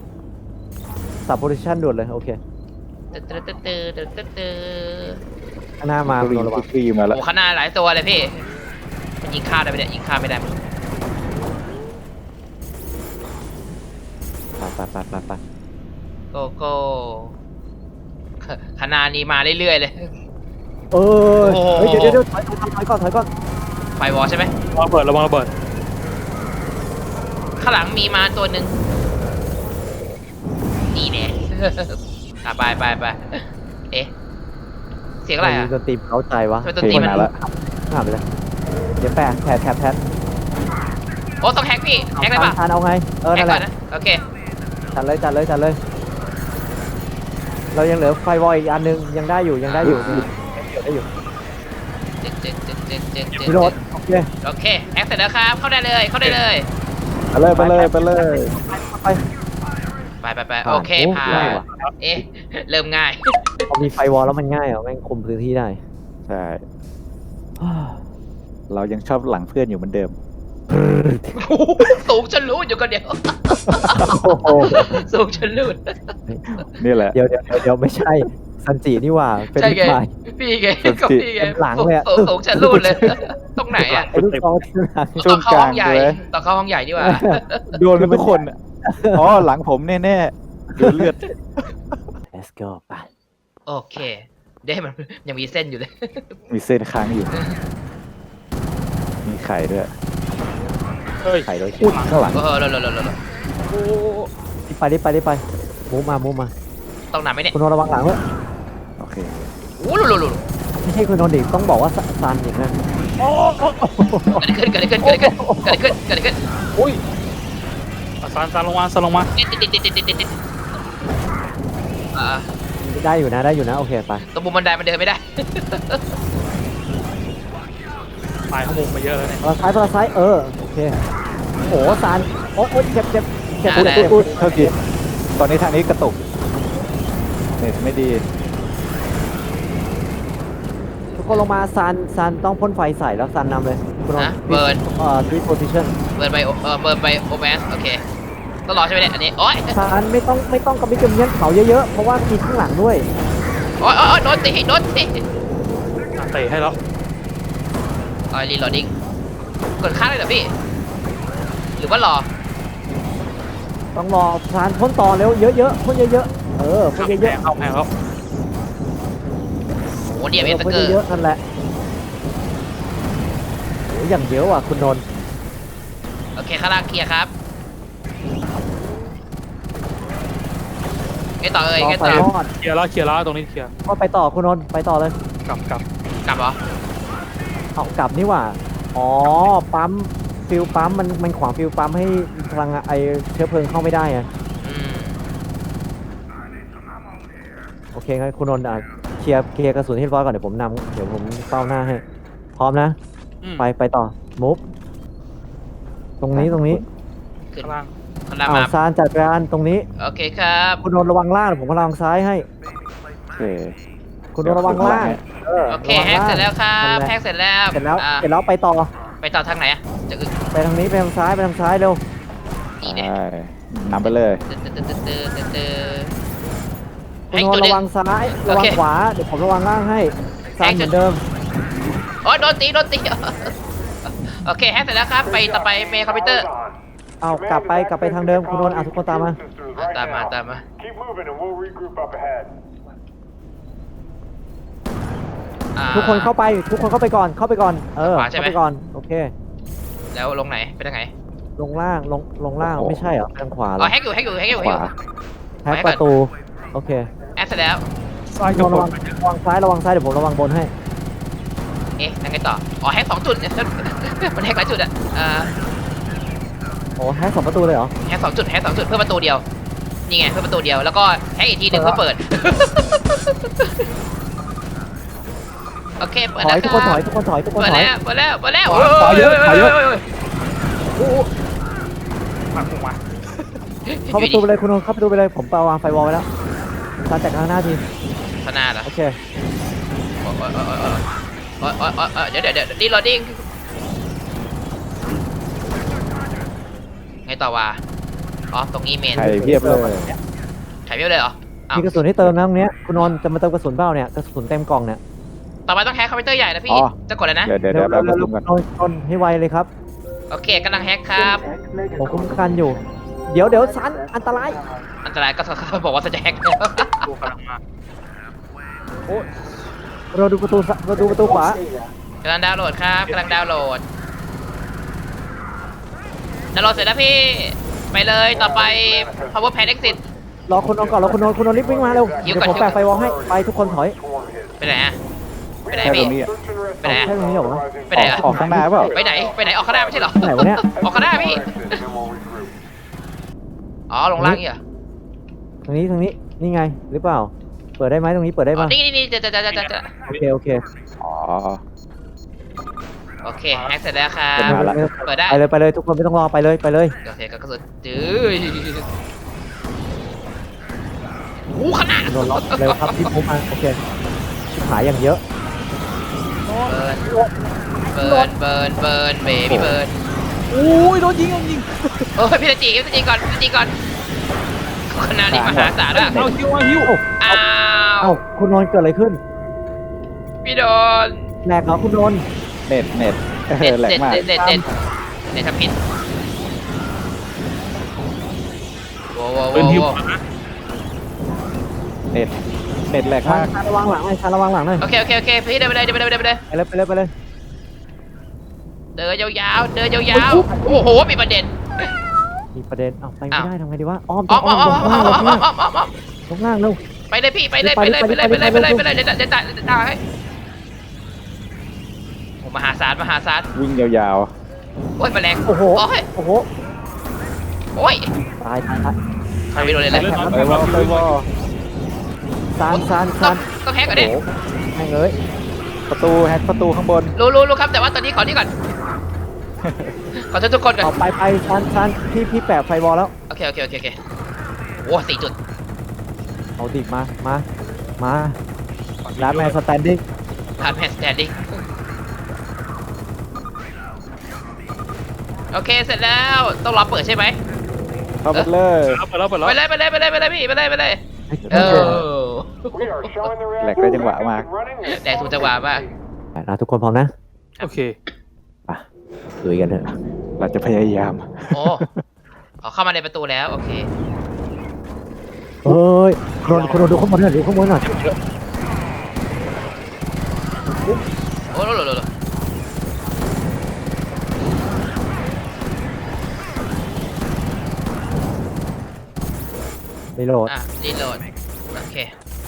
Speaker 1: นท์นำสับโพซิชันด่วนเลยโอเค
Speaker 3: ตึ๊ดตึ๊ดตึ๊ดตึ๊ดตึ๊ดตึ๊ด
Speaker 1: ข้างหน้ามา
Speaker 4: ฟ
Speaker 1: คุณ
Speaker 4: รี
Speaker 1: นนท์ระวัง
Speaker 4: ฟรีมาแล้ว
Speaker 3: โอ้ข้างหน้าหลายตัวเลยพี่มันยิงข้ามได้ไหมเนี่ยยิงข้ามไม่ได้มั้ง
Speaker 1: ไปไปไปไป
Speaker 3: โกโก้ขนาดนี้มาเรื่อยๆเลย
Speaker 1: เออ
Speaker 3: โอ้โห
Speaker 1: เฮ้ยเดี๋ยวเดี๋ยวเดี๋ยวถอยถอยถอยก่อนถอยก่อน
Speaker 3: ไฟวอลใช่ไหม
Speaker 2: ระวังระเบิดระวังระเบิด
Speaker 3: ข้างหลังมีมาตัวหนึ่งนี่แน่ อ่ะไปไปไปเอ๊ะเสียงอะไรอ่ะ
Speaker 1: ดนตรีเข้าใจวะ
Speaker 3: ทำไมดนตรีมัน
Speaker 4: มาแล้ว
Speaker 1: หาไปเลยเดี๋ยวแปะแผดแผดแผด
Speaker 3: โอ้ต้องแฮกพี่แฮกได้ปะ
Speaker 1: ทานเอาไงเออ
Speaker 3: แฮ
Speaker 1: นั่
Speaker 3: ก
Speaker 1: นแห
Speaker 3: ก่อน
Speaker 1: ละ
Speaker 3: นะโอเค
Speaker 1: จัดเลยจัดเลยจัดเลย เรายังเหลือไฟวอลอีกอันนึงยังได้อยู่ยังได้อยู่ยังได้อยู่
Speaker 3: จึ๊กจึ๊กจึ๊กจึ๊กจึ๊กจึ๊ก
Speaker 1: พี่โรถโอเค
Speaker 3: โอเคแฮกเสร็จแล้วครับเข้าได้เลยเข้าได้เลย
Speaker 4: ไปเลยไปเลยไปเลย
Speaker 1: ไป
Speaker 3: ไปไปไป
Speaker 1: ผ่าน
Speaker 3: โอเค
Speaker 1: โอ้
Speaker 3: ผ่า
Speaker 1: ง่าย
Speaker 3: น
Speaker 1: ว่ะ
Speaker 3: เอ๊ะเริ่มง่าย
Speaker 1: พอมีไฟวอลแล้วมันง่ายเหรอแม่งคุมพื้นที่ได้
Speaker 4: ใช่ เรายังชอบหลังเพื่อนอยู่เหมือนเดิม
Speaker 3: สูงจนรูดอยู่คนเดียว
Speaker 1: โอ้โห
Speaker 3: สูงจนรูด
Speaker 4: นี่แหละ
Speaker 1: เดี๋ยวเดี๋ยวเดี๋ยวเดี๋ยวไม่ใช่ซันจินี่หว่าเป็น
Speaker 3: ใช่
Speaker 1: ลูก
Speaker 3: ไง
Speaker 1: ชาย
Speaker 3: พี่ไง
Speaker 4: สุด
Speaker 3: ก็
Speaker 4: สิ
Speaker 3: พี่ไง
Speaker 1: เป็นหลังเลยอะ
Speaker 3: สูงสูงจนรูดเลย ตรงไหนอ่ะ
Speaker 1: ไอ้ลูกซองที่หลัง
Speaker 4: ช่
Speaker 3: ต
Speaker 4: ว
Speaker 3: อง นเข้าก
Speaker 4: ลา
Speaker 3: ห้อง งใหญ่
Speaker 4: เลย
Speaker 3: ตอนเข้าห้องใหญ่ดีกว่า
Speaker 4: โดนกันทุกคนอะอ๋อหลังผมแน่ๆโดนเลือด
Speaker 1: let's go ไป
Speaker 3: โอเคเด้มันยังมีเส้นอยู่เลย
Speaker 4: มีเส้นค้างอยู่ มีไข่ด้วย
Speaker 2: เฮ้ย
Speaker 1: ไข่ด้วย
Speaker 4: อุ้ยข้างหลัง
Speaker 3: เออเร็วเร็วเร็วเร็วเร็ว
Speaker 1: รีบไปรีบไปรีบไปมูฟมามูฟมา
Speaker 3: ต้องนำไหมเนี่ย
Speaker 1: คุณนนท์ระวังหลังด้วย
Speaker 4: โอเค
Speaker 3: โอ้โหลุลุลุ
Speaker 1: ไม่ใช่คุณนนท์ดิต้องบอกว่าซันอย่างนั้น
Speaker 3: เกิดอะไรขึ้นเกิดอะไรขึ้นเกิดอะไรขึ้นเกิดอะไรขึ้นเกิดอะไรขึ้น
Speaker 2: อุ้ยเอาซานซานลงมาซานลงมา
Speaker 3: ติดติดติดติดติดติดติดอ่า
Speaker 1: ได้อยู่นะได้อยู่นะโอเคไป
Speaker 3: ตรงมุมบันไดมันเดินไม่ได้
Speaker 2: ตายข้างมุมมาเยอะแล้วเนี่ย
Speaker 1: ตัวซ้ายตัวซ้ายเออโอเคโอ้ซันโอ้ยเจ็บเจ็บเจ็บ
Speaker 3: อ่า
Speaker 1: อุ๊ย
Speaker 3: ได้
Speaker 1: อุ๊ยอุ๊ย
Speaker 4: เท่าทีตอนนี้ทางนี้กระตุกเน็ตไม่ดี
Speaker 1: ทุกคนลงมาซันซันต้องพ่นไฟใส่แล้วซันนำเลยคุณนน
Speaker 3: นะ
Speaker 1: ท์
Speaker 3: เบิร์น
Speaker 1: เอ่อ three position
Speaker 3: เบิร์นไปเออเบิร์นไปโอแมสโอเคต้องรอใช่ไหมเนี่ยอันนี้โอ๊ย
Speaker 1: ซันไม่ต้องไม่ต้องกระมิดกระเมียนเขาเยอะๆเพราะว่ามีข้างหลังด้วย
Speaker 3: โอ๊ยโอ๊ยโดนตีโดนตี
Speaker 2: อ่ะเตะให้แล้ว
Speaker 3: อ๋อรีโหลดดิ้งกดค้างเลยเหรอพี่หรือว่ารอ
Speaker 1: ต้องรอซันพ่นต่อเร็วเยอะๆพ่นเยอะๆเออพ่น
Speaker 2: แพ
Speaker 1: เยอะ
Speaker 2: งเข้าแพงแล้ว
Speaker 3: โอ้
Speaker 1: ๆ
Speaker 3: เดียบเอส
Speaker 1: พ่น
Speaker 3: เกอร์
Speaker 1: เยอะๆนั่นแหละโอ้ยอย่างเยอะว่ะคุณนนท์
Speaker 3: โอเคข้างล่างเคลียร์ครับไงต่อเอ่ย
Speaker 1: รอ
Speaker 3: ไง
Speaker 1: ไฟ
Speaker 3: ต่อ
Speaker 1: รอด
Speaker 2: เคลียร์แล้วเคลียร์แล้วตรงนี้เคลียร์
Speaker 1: ก็ไปต่อคุณนนท์ไปต่อเลย
Speaker 2: กลับกลับ
Speaker 3: กลับเหรอ
Speaker 1: เอากลับนี่หว่าอ๋อปั๊มฟิลปั๊มมันมันขวางฟิลปั๊มให้พลังไอเชื้อเพลิงเข้าไม่ได้อะ
Speaker 3: อืม
Speaker 1: โอเคงั้นคุณนนท์อ่ะเคลียร์เคลียร์กระสุนให้เรียบร้อยก่อนเดี๋ยวผมนำเดี๋ยวผมเป้าหน้าให้พร้อมนะ
Speaker 2: อืม
Speaker 1: ไปไปต่อมุฟตรงนี้ตรงนี้
Speaker 3: ขึ้น
Speaker 2: ข้างล่าง
Speaker 3: ข้างล่าง
Speaker 1: อ้าว
Speaker 3: มา
Speaker 1: ซานจัดการตรงนี้
Speaker 3: โอเคครับ
Speaker 1: คุณนนท์ระวังล่างเดี๋ยวผมระวังซ้ายให้
Speaker 4: โอเค
Speaker 1: คุณนนท์ระวังล่างเออ
Speaker 3: โอเค
Speaker 1: ระวัง
Speaker 3: แฮก
Speaker 1: ล่าง
Speaker 3: เสร็จแล้วครับ
Speaker 1: นั่นหะ
Speaker 3: แฮกเสร็จแล้ว
Speaker 1: เสร็จแล้ว
Speaker 3: อ่า
Speaker 1: เสร็จแล้วไปต่อ
Speaker 3: ไปต่อทางไหนอะจะอึ
Speaker 1: ไปทางนี้ไปทางซ้ายไปทางซ้ายเร็ว
Speaker 3: นี่เนี่ย
Speaker 4: ใช่นำไปเลย
Speaker 3: ตึ๊ดตึ๊ดตึ๊ดตึ๊ดตึ๊ดตึ๊ด
Speaker 1: คุ
Speaker 3: ให้
Speaker 1: ณน
Speaker 3: ตั
Speaker 1: น
Speaker 3: ว
Speaker 1: ท์
Speaker 3: หนึ
Speaker 1: ระ
Speaker 3: ง
Speaker 1: วังซ้าย
Speaker 3: โอ
Speaker 1: ระวัง
Speaker 3: เค
Speaker 1: ขวาเดี๋ยวผมระวังล่างให้ซานเหมือนเดิม
Speaker 3: โอ้ยโดนตีโดนตี โอเคแฮกเสร็จแล้วครับ ไปต่อไปเมย์คอมพิวเตอร์
Speaker 1: เอากลับไปกลับไปทางเดิมคุณนนท์อ่ะทุกคนตามมา
Speaker 3: ตามมาตามมา
Speaker 5: Keep moving and we'll regroup up ahead.
Speaker 3: อ่า
Speaker 1: ทุกคนเข้าไปทุกคนเข้าไปก่อนเข้าไปก่อนเออ
Speaker 3: ขวาใช่ไหม
Speaker 1: เข้าไปก่อนโอเค
Speaker 3: แล้วลงไหนไปทางไหน
Speaker 1: ลงล่างลงลงล่าง
Speaker 4: โอ้โห
Speaker 1: ไม่ใช่เหรอทางขวาเหร
Speaker 3: อ๋อ
Speaker 1: อ
Speaker 3: แฮกอยู่แฮกอยู่แฮกอยู่
Speaker 4: ข
Speaker 3: แฮกอ
Speaker 4: วา
Speaker 3: ยู่
Speaker 1: แฮกประตูโอเค
Speaker 3: แฮกเสร็จแล้ว
Speaker 2: ซ้าย
Speaker 1: คุ
Speaker 2: กั
Speaker 1: ณ
Speaker 2: บ
Speaker 1: นนท์
Speaker 2: บ
Speaker 1: ระวัง
Speaker 2: น
Speaker 1: ระวังซ้ายระวังซ้ายเดี๋ยวผมระวังบนให้
Speaker 3: เอ๊ะยังไงต่อ อ๋อแฮกสองจุด มันแฮกหลายจุดอะอ่า
Speaker 1: โอ้แฮกสองประตูเลยเหรอ
Speaker 3: แฮกสองจุดแฮกสองจุดเพื่อประตูเดียว นี่ไงเพื่อประตูเดียว แล้วก็แฮกอีกทีหนึ่งเพื่อเปิด โอเคเปิด
Speaker 1: ถ
Speaker 3: แล้
Speaker 1: อ
Speaker 3: วย
Speaker 1: ทุกคนถอยทุกคนถอยทุกคน
Speaker 3: เปิด
Speaker 1: ถอย
Speaker 3: แล้วเปิดแล้วเปิดแล้ว
Speaker 2: ถอยเยอะถอยเยอะ
Speaker 3: โอ้โห
Speaker 2: มามุมมา
Speaker 1: เข้าประตูไปเลยคุณนนท์เข้าประตูไปเลยผมวางไฟวอลไว้แล้วซานจัดการหน้าที
Speaker 3: ขนาดเหรอ
Speaker 1: โอเค
Speaker 3: โอ้ยโอ้ยโอ้ยโอ้ยโอ้ยโอ้ยโอ้ยโอ้ยเดี๋ยวเดี๋ยวเดี๋ยวดีโหลดดิ้งไงต่อวะอ๋อตรงนี้เมน
Speaker 4: ไข่เพียบเลย
Speaker 3: ไข่เพี้ยวเลยเหรออ้าว
Speaker 1: มีกระสุนให้เติมนะตรงเนี้ยคุณนนท์จะมาเติมกระสุนเปล่าเนี่ยกระสุนเต็มกล่องเนี่ย
Speaker 3: ต่อไปต้องแฮกคอมพิวเตอร์ใหญ่นะพี่
Speaker 4: อ๋อ
Speaker 3: จะกดอะไรนะ
Speaker 4: เดี๋ยวเดี๋ยว
Speaker 1: เร็
Speaker 4: เดี๋ยว ว
Speaker 1: เร็
Speaker 4: แป๊
Speaker 1: ว
Speaker 4: บ
Speaker 1: เร็
Speaker 4: นึ
Speaker 1: ว
Speaker 4: งก่อน
Speaker 1: นนนนให้ไวเลยครับ
Speaker 3: โอเคกำลังแฮกครับ
Speaker 1: ผมคุ้มกันอยู่ เดี๋ยวเดี๋ยวซันอันตราย
Speaker 3: อันตรายก็เขาบอกว่าจะแฮก
Speaker 2: กูกำลังมา
Speaker 1: เราดูประตูซะเราดูประตูขวาก
Speaker 3: ำลังดาวน์โหลดครับกำลังดาวน์โหลดดาวน์โหลดเสร็จแล้วพี่ไปเลยต่อไป power pad exit
Speaker 1: รอคนนอนก่อนรอคนนอนคนนอนรีบวิ่งมาเร็ว
Speaker 3: หิ
Speaker 1: เดี๋ยว ว
Speaker 3: ก่อน
Speaker 1: ผมแปะไฟวอลให้ไปทุกคนถอย
Speaker 3: ไปไหนอะไปไหน
Speaker 4: แค่ตร
Speaker 3: พี่
Speaker 4: งนี้อะ
Speaker 3: ไปไหน
Speaker 1: แค่ตรงนี้เหรอวะ
Speaker 3: ไปไหนอะ
Speaker 4: ออกข้างหน้าเปล่า
Speaker 3: ไปไหนไปไหนออกข้างหน้าไม่ใช่เหรอ
Speaker 1: ไหนวะเนี่ย
Speaker 3: ออกข้างหน้าพี่อ๋อลงล่างนี่เหรอ
Speaker 1: ตรงนี้ตรงนี้นี่ไงหรือเปล่า เปิดได้ไหมตรงนี้เปิดได้
Speaker 3: อ๋อ
Speaker 1: ปะ
Speaker 3: นี่นี่นี่จะจะจะจะจะ
Speaker 1: โอเคโอเค
Speaker 4: อ๋อ
Speaker 3: โอเคแฮกเสร็จแล้วครั
Speaker 4: เปิ
Speaker 3: บ
Speaker 4: ดมาละ
Speaker 3: เปิดได้
Speaker 1: ไปเลยไปเลยทุกคนไม่ต้องรอไปเลยไปเลย
Speaker 3: โอเคก็กระสุนจื้อโอ้ขนาด
Speaker 1: โดนล็อกเร็วครับพี่ปุ๊บมาโอเคชิบหายอย่างเยอะ
Speaker 3: เบิร์นเบิร์นเบิร์นเบิร์นเบบี้เบิร์น
Speaker 2: โอ้ยโดนยิงโดนยิง
Speaker 3: โอ้ยพี่ตะจีพี่ตะจีก่อนพี่ตะจีก่อนขนาดนี้มหาศาลอะ
Speaker 2: เอาฮิวเอาฮิว
Speaker 3: อ้า
Speaker 1: เอ้าว คุณนนท์เกิดอะไรขึ้น
Speaker 3: พี่โดน
Speaker 1: แหลกเหรอคุณนนท์
Speaker 4: เน็ตเน็ตเอ
Speaker 3: เด็ด
Speaker 4: อแหลก
Speaker 3: เด็ด
Speaker 4: มาก
Speaker 3: เด็ดเด็ดเด็ดเด็ดทำผิดโว้โว้
Speaker 2: ปืนฮิว
Speaker 3: โว้
Speaker 4: เน็ตเน็ตแหลก
Speaker 1: ชาม
Speaker 4: าก
Speaker 1: ชาระวังหลังหน่อยชาระวังหลังหน่อย
Speaker 3: โอเคโอเคโอเคพี่เดินไปเลยเดินไปเลยเดินไปเลย
Speaker 1: ไปเลยไปเลยไปเลย
Speaker 3: เดินยาวๆเดินยาวๆโอ้โหมีประเด็น
Speaker 1: มีประเด็นเอาไปไม่
Speaker 3: อ้าว
Speaker 1: ได้ทำไงดีวะอ้อม
Speaker 3: อ้อม
Speaker 1: อ้
Speaker 3: อ้
Speaker 1: อ
Speaker 3: อ
Speaker 1: ม
Speaker 3: ม
Speaker 1: ล
Speaker 3: อ้อง มอ้อ
Speaker 1: ข้าง
Speaker 3: ม
Speaker 1: ล่างล
Speaker 3: อ้อง ม
Speaker 1: ข้าง
Speaker 3: อ้อ
Speaker 1: ล่าง
Speaker 3: มอ้อมอ้อม
Speaker 1: ลงล่างเร็ว
Speaker 3: ไปเลยพี่ไปเลย
Speaker 1: ไป
Speaker 3: ไป
Speaker 1: เล
Speaker 3: เลย ย
Speaker 1: ไป
Speaker 3: ไป
Speaker 1: เล
Speaker 3: เลย ยไปเลย
Speaker 1: ไป
Speaker 3: ไป
Speaker 1: เล
Speaker 3: เลย ยไปเลยเดี๋ยวจะเดี๋ยวจะให้โอ้มหาศาลมหาศาล
Speaker 4: วิ่งยาว
Speaker 3: โอ้ยแมลง
Speaker 1: โอ้โห
Speaker 3: โอ้ย
Speaker 1: โอ้โห
Speaker 3: โอ้ย
Speaker 1: ตายตายตาย
Speaker 3: ใครไม่โดนเลยเลย
Speaker 4: ๆไปว่าไปว่า
Speaker 1: ซานซาน
Speaker 3: ต้อ
Speaker 1: ซาง น
Speaker 3: ต้องแฮกก่อนดิ
Speaker 1: โอ้โหแม่งเอ้ย
Speaker 4: ประตูแฮกประตูข้างบน
Speaker 3: รู้รู้รู้ครับแต่ว่าตอนนี้ขอนี่ก่อนขอโทษทุกคนก่อน
Speaker 1: เอาไปไปซานซานพี่พี่แปะไฟวอลแล้ว
Speaker 3: โอเคโอเคโอเคโอเคโอ้สี่จุด
Speaker 1: เอาดิมามามาลาแมนสแตนดิ้ง
Speaker 3: ผ่านแพนสแตนดิ้งโอเคเสร็จแล้วต้องรอเปิดใช่ไหม
Speaker 4: เข้าไปเลย
Speaker 2: เปิดแล้วเปิดแล้ว
Speaker 3: ไปเลยไปเลยไปเลยไปเลยพี่ไปเลยไปเลยเออ
Speaker 5: We are showing the
Speaker 4: แหลก
Speaker 5: reactor
Speaker 4: ได้จังหวะมาก
Speaker 5: running.
Speaker 3: แต่ถูกจังหวะมาก
Speaker 1: นะทุกคนพร้อมนะ
Speaker 2: โอเค
Speaker 1: ลุยกันเถอะ
Speaker 4: เราจะพยายาม
Speaker 3: โอ้เอาเข้ามาในประตูแล้วโอเค
Speaker 1: เฮ้ยคุณนนท์คุณนนท์ดูข้างบนหน่อยดูข้างบนหน่อย
Speaker 3: โอ้โหโหโหโห
Speaker 1: รีโหลด
Speaker 3: อ่ะรีโหลดโอเค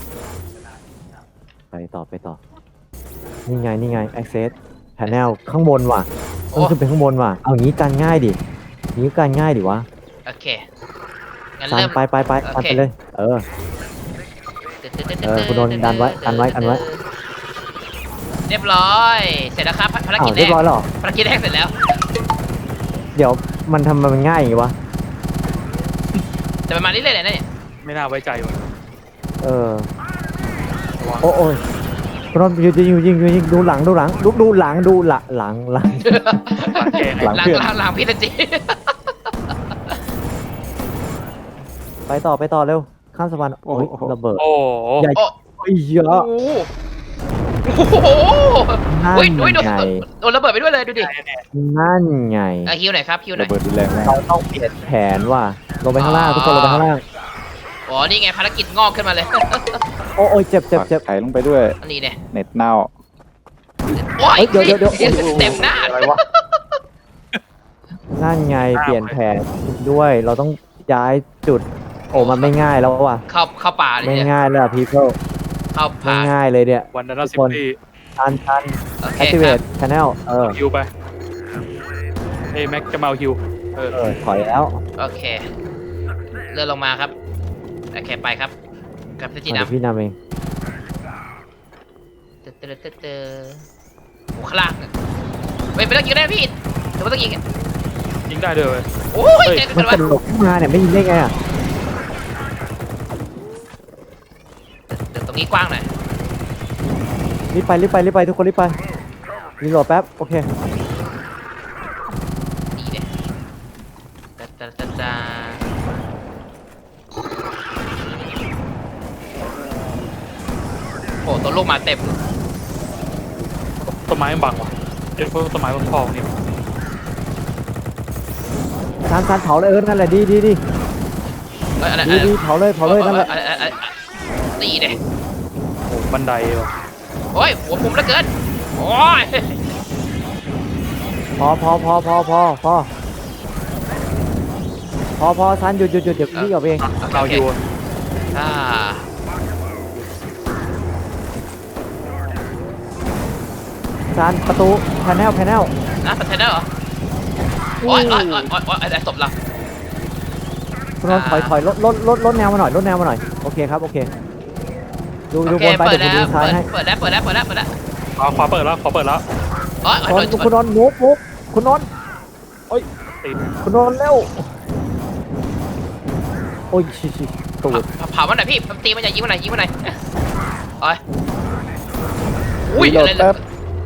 Speaker 1: ไปต่อไปต่อ นี่ไงนี่ไง access panel ข้างบนว่ะ
Speaker 3: โอ้
Speaker 1: ต้องขึ้นไปข้างบนว่ะ เอางี้กันง่ายดิงี้กันง่ายดิวะ
Speaker 3: โอเคงั้น
Speaker 1: ซัน
Speaker 3: เริ่ม
Speaker 1: ไปไปไป
Speaker 3: โอ
Speaker 1: ซัน
Speaker 3: เค
Speaker 1: ไปเลย เออ เออคุณโดนดันไว้กันไว้กันไว้
Speaker 3: เรียบร้อย เสร็จแล้วครับภาร
Speaker 1: อ้า
Speaker 3: กิ
Speaker 1: ว
Speaker 3: จแร
Speaker 1: เรีย
Speaker 3: ก
Speaker 1: บร้อยแล้วเหรอ
Speaker 3: ภารกิจแรกเสร็จแล้ว
Speaker 1: เดี๋ยวมันทำมันง่ายอย่างงี้วะ
Speaker 3: แต่ประมาณนี้เลยแหละเนี่ย
Speaker 2: ไม่น่าไว้ใจว่ะ
Speaker 1: เออ โอ้โอ้ยคุณนนท์ยิงยิงยิงยิงดูหลังดูหลังดูดูหลังดูหลังหลังหลัง
Speaker 2: หลังแก
Speaker 4: หลัง
Speaker 3: หลัง
Speaker 4: เพื่อน
Speaker 3: หลังหลังพี่ตะจี
Speaker 1: ไปต่อไปต่อเร็ว ข้ามสะพานโอ้ยระเบิด
Speaker 2: โอ้โห
Speaker 1: ใหญ่
Speaker 3: โอ้
Speaker 1: โอ้ยเยอะ
Speaker 3: โอ้โห
Speaker 1: นั่น
Speaker 3: อุ้ยอุ้ยโดน
Speaker 1: ไง
Speaker 3: โดนระเบิดไปด้วยเลยดูดิ
Speaker 1: นั่นไง
Speaker 3: อ่ะฮิวหน่อยครับฮิวหน่
Speaker 4: ระ
Speaker 3: อย
Speaker 4: เบิดรุนแรงมาก
Speaker 1: เราต้องเปลี่ยนแผนว่ะลงไปข้างล่างทุกคนลงไปข้างล่าง
Speaker 3: อ๋อนี่ไงภารกิจงอกขึ้นมาเลย
Speaker 1: โอ้โอ้ยเจ็บเจ็บเจ็บ
Speaker 4: ไถลงไปด้วย
Speaker 3: อันนี้เนี่ย
Speaker 4: เน็ตเน่า
Speaker 3: โอ้ย
Speaker 1: เฮ้ยเดี๋ยวเดี๋ยวเดี๋ยว
Speaker 3: เต็มหน้า
Speaker 2: อะไรวะ
Speaker 1: นั่นไงเปลี่ยนแผนด้วย เราต้องย้ายจุด โอ้มันไม่ง่ายแล้วว่ะ
Speaker 3: เข้าเข้าป่าเลย
Speaker 1: ไม่
Speaker 3: เนี่ย
Speaker 1: ง่ายเลยอะ people
Speaker 3: เข้า
Speaker 1: ไม่
Speaker 3: ป่า
Speaker 1: ง่ายเลยเนี่ย
Speaker 2: วันนั้นสิบปี
Speaker 1: ชันชัน
Speaker 3: โอเคครับ
Speaker 1: activate channel เออ
Speaker 2: ฮิวไปเอ้แม็กจะมาเอาฮิวเออ
Speaker 1: เออถอยแล้ว
Speaker 3: โอเคเลื่อนลงมาครับโอเคไปครับกับพี่จี
Speaker 1: เดี๋ยว
Speaker 3: น้ำ
Speaker 1: พี่นำเอง
Speaker 3: เตอเตอเตอเตอโอ้ข้างล่างอะเฮ้ยไม่ต้องยิงได้พี่หรือว่าต้องยิงอะ
Speaker 2: ยิงได้ด้วยเว้ย
Speaker 3: โอ้ย
Speaker 2: เฮ้ย
Speaker 3: เจ๊
Speaker 1: มัน
Speaker 3: กัน
Speaker 1: ก
Speaker 3: วะ
Speaker 1: ระโดดขึ้นมาเนี่ยไม่ยิงได้ไงอ่ะ
Speaker 3: เดี๋ยวตรงนี้กว้างหน่อย
Speaker 1: รีบไปรีบไปรีบไปทุกคนรีบไปรีโหลดแป๊บโอเค
Speaker 3: นี่เนี่ยตาตาตาตาโอ้ตัวลูกมาเต็ม
Speaker 2: ต้นไม้มันบังวะเดี๋ยวพวกต้นไม้มันพองนี่
Speaker 1: ซานซานเผาเลยเออนั่นแหละดีดีดี
Speaker 3: เอ้ยอะไร
Speaker 1: ดีดีเผาเลยเผาเลยนั่นแหละ
Speaker 3: เอ้ยเอ้ยเอ้ยตีเด้
Speaker 2: โอ้บันไดวะ
Speaker 3: โอ้ยหัวปุ่มเหลือเกินโอ้ย
Speaker 1: พอพอพอพอพอพอพอพอซานหยุดหยุดหยุดเดี๋ยวพี่ออกเอง
Speaker 2: เราอยู่
Speaker 3: อ่า
Speaker 1: ซานประตูแพนเนลแพนเนล
Speaker 3: นะสเตนเนอร์เหรอโอ้ยโอ้ยโอ้ยโอ้ยโอ้ยไอ้ศพเรา
Speaker 1: คุณนนท์ถอยถอยลดลดลดลดแนวมาหน่อยลดแนวมาหน่อยโอเคครับโอเคดูดู
Speaker 3: โอบ เค
Speaker 1: นไป
Speaker 3: เปิ
Speaker 1: เดี๋
Speaker 3: ด
Speaker 1: ยวผม
Speaker 3: แล้ว
Speaker 1: ดูซ้ายให้
Speaker 3: เปิดแล้วเปิดแล้วเปิดแล้วเปิดแล้ว
Speaker 2: ขวาขวาเปิดแล้วขวาเปิดแล้ว
Speaker 3: โอ้ยโอ้ย
Speaker 1: คุณ
Speaker 3: โดน
Speaker 1: คุณนนท์มุกมุกคุณนนท์
Speaker 2: โอ้ยติด
Speaker 1: คุณนนท์เร็วโอ้ยชิชิตูด
Speaker 3: เผามันหน่อยพี่ตีมันอย่ายิงมันหน่อยยิงมันหน่อยโอ้ยอุ้ย
Speaker 4: รีโหล
Speaker 3: อะ
Speaker 4: ด
Speaker 3: ไรเล
Speaker 4: แป๊
Speaker 3: ย
Speaker 4: บ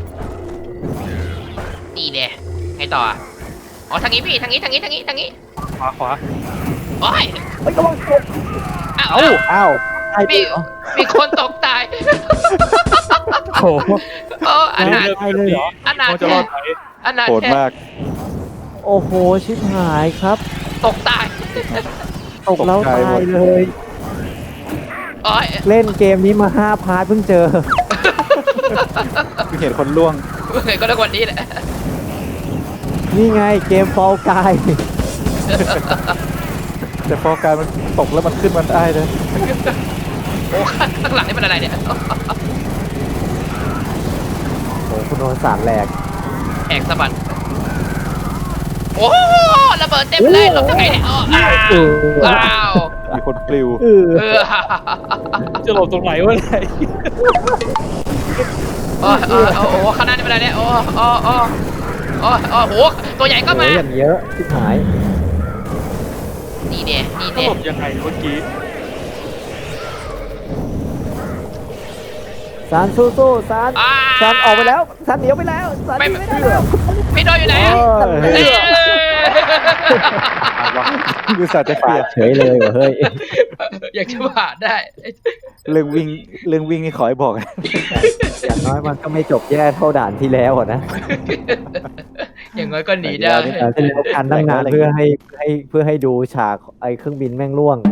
Speaker 3: ตีเด้ไงต่ออ่ะอ๋อทางนี้พี่ทางนี้ทางนี้ทางนี้ทางนี้
Speaker 2: ขวาขวา
Speaker 3: โอ้ย
Speaker 1: เฮ้ยกำลังตก
Speaker 3: อ้าว
Speaker 4: เอ้าอ้าว
Speaker 1: ตายไป
Speaker 3: มี
Speaker 1: เหรอ
Speaker 3: มีคนตกตาย
Speaker 2: โอ้โห
Speaker 3: โอ้อันนั้น
Speaker 1: ตายเลยเหรอ
Speaker 3: อันนั้น
Speaker 2: มันจะรอดไหม
Speaker 3: อันนั้น
Speaker 4: โหดมาก
Speaker 1: โอ้โหชิบหายครับ
Speaker 3: ตกตาย
Speaker 1: ตกแล้ว
Speaker 4: ตกใจ
Speaker 1: ตา
Speaker 4: หม
Speaker 1: ย
Speaker 4: ด
Speaker 1: เลย
Speaker 3: โอ้ย
Speaker 1: เล่นเกมนี้มาห้าพาร์ทเพิ่งเจอ
Speaker 4: คือเห็นคนล่วง
Speaker 3: เห็นก็ได้วันนี้แหละ
Speaker 1: นี่ไงเกมฟอลกาย
Speaker 4: แต่พอการมันตกแล้วมันขึ้นมันได้นะ
Speaker 3: โอ้ข้างหลังนี่มันอะไรเนี่ย
Speaker 1: โอ้คุณโดนสารแหลก
Speaker 3: แหกสะบัดโอ้ระเบิดเต็มเลยหลบยังไงเนี่ยอ้าว
Speaker 1: เออ
Speaker 3: อ้าว
Speaker 4: มีคนปลิว
Speaker 1: เออ
Speaker 3: เออ
Speaker 2: จะหลบตรงไหนวะเนี่ย
Speaker 3: โอ้โอ้โอ้โหขนาดนี้เป็นอะไรเนี่ยโอ้โอ้โอ้โอ้โอ้โหตัวใหญ่ก็
Speaker 1: โอ้
Speaker 3: มา
Speaker 1: ยอย่างเยอะชิบหาย
Speaker 3: นี่เด้นี่
Speaker 2: จะ
Speaker 3: เด้
Speaker 2: หลบยังไงเมื่อกี้
Speaker 1: สารสู้สู้ๆสาร
Speaker 3: อ่า
Speaker 1: สารออกไปแล้วสารเหนียวไปแล้วสารหนีไม่ได้แล้ว
Speaker 3: พี่โดนอยู่ไหนอะ
Speaker 1: เออ
Speaker 3: เอ้ย
Speaker 4: คือสัตว์จะเคลียร์
Speaker 1: เฉยเลยว่ะเฮ้ย
Speaker 3: อยากจะผ่านได้
Speaker 4: เรื่องวิ่งเรื่องวิ่งนี่ขอให้บอกนะ
Speaker 1: อย่างน้อยมันก็ไม่จบแย่เท่าด่านที่แล้วอะนะ
Speaker 3: อย่างน้อยก็หนีได้
Speaker 1: ด่านที่แล้วการตั้งนานเพื่อให้ให้เพื่อให้ดูฉากไอ้เครื่องบินแม่งร่วง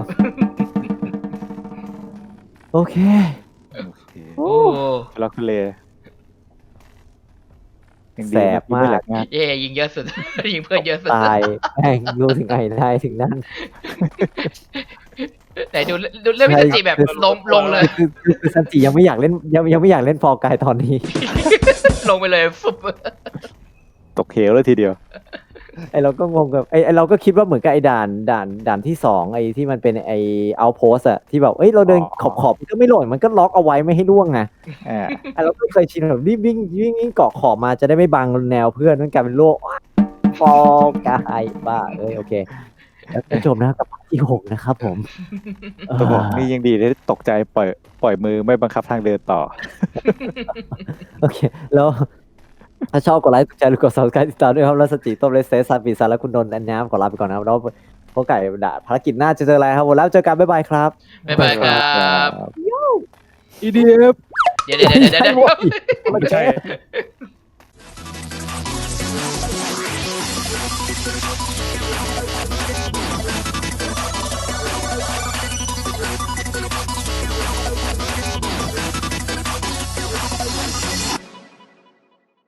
Speaker 1: โอเค
Speaker 3: โอ้
Speaker 4: ล็อกเลยยังดี
Speaker 1: แสบมาก
Speaker 4: ไแหลงาน
Speaker 3: เย่ยิงเยอะสุด ยิงเพื่อนเยอะสุด
Speaker 1: ตายแม่งรู้ถึงไงได้ถึงนั่น
Speaker 3: ไหนดูดูเรื่องพิจิแบบลงลงเลย
Speaker 1: คือคือคือซันจิยังไม่อยากเล่นยังยังไม่อยากเล่นฟอร์กายตอนนี้
Speaker 3: ลงไปเลยฟุบ
Speaker 4: ตกเหวเลยทีเดียว
Speaker 1: ไอเราก็งงกับไอไอเราก็คิดว่าเหมือนกับไอด่านด่านด่านที่สองไอที่มันเป็นไอเอาโพสอะที่แบบเอ้ยเราเดิน
Speaker 4: อ๋อ
Speaker 1: ขอบขอบมันก็ไม่หล่นมันก็ล็อกเอาไว้ไม่ให้ล่วงไง
Speaker 4: อ่า
Speaker 1: ไอเราก็เคยชินแบบรีบวิ่งวิ่งวิ่งเกาะขอบมาจะได้ไม่บังแนวเพื่อนนั่นกลายเป็นโลกฟอร์กายบ้าเอ้ยโอเคแล้วก็จบนะครับกับภาคที่หกนะครับผม
Speaker 4: ตัวบอกนี่ยังดีได้ตกใจปล่อยปล่อยมือไม่บังคับทางเดินต่อ
Speaker 1: โอเค แล้ว ถ้าชอบกดไลค์กดแชร์หรือกด subscribe ติดตามด้วยครับแล้วสจิต้มเลสเซสซาปีซาและคุณนนท์แอนน้ำขอลาไปก่อนนะครับแล้วพวกไก่ด่าภารกิจหน้าจะเจออะไรครับผมแล้วเจอกันบ๊ายบายครับ
Speaker 3: บ๊ายบายครับ
Speaker 4: อี ดี เอฟ
Speaker 3: เดี๋ยวเดี๋ยวเดี๋ยวเดี๋ยว
Speaker 2: ไม่ใช่